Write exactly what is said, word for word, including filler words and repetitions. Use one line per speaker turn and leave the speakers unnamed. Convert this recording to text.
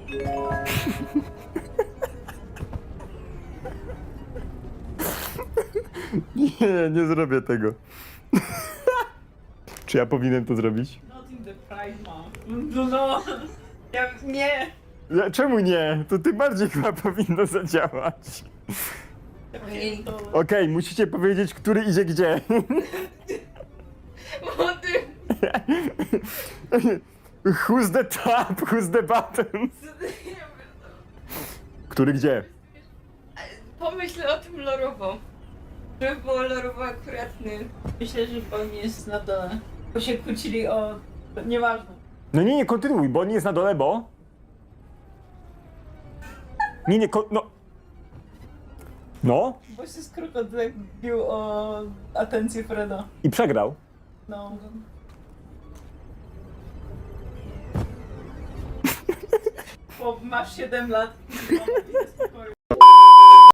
Nie, nie zrobię tego. Czy ja powinienem to zrobić?
Not in the Pride Month. No, no. Ja, nie.
Ja, czemu nie? To tym bardziej chyba powinno zadziałać.
Ojej.
Okej, musicie powiedzieć, który idzie gdzie.
Młody.
Who's the top, who's the bottom? Który gdzie?
Pomyśl o tym lorowo. Żeby było lorowo akuratny. Myślę, że on jest na dole. Bo się kłócili o... Nieważne.
No nie, nie, kontynuuj, bo on jest na dole, bo... Nie, nie, kon... no... No?
Bo się z krokodylem bił o atencję Freda.
I przegrał.
No. Bo masz siedem lat i idę w spokoju.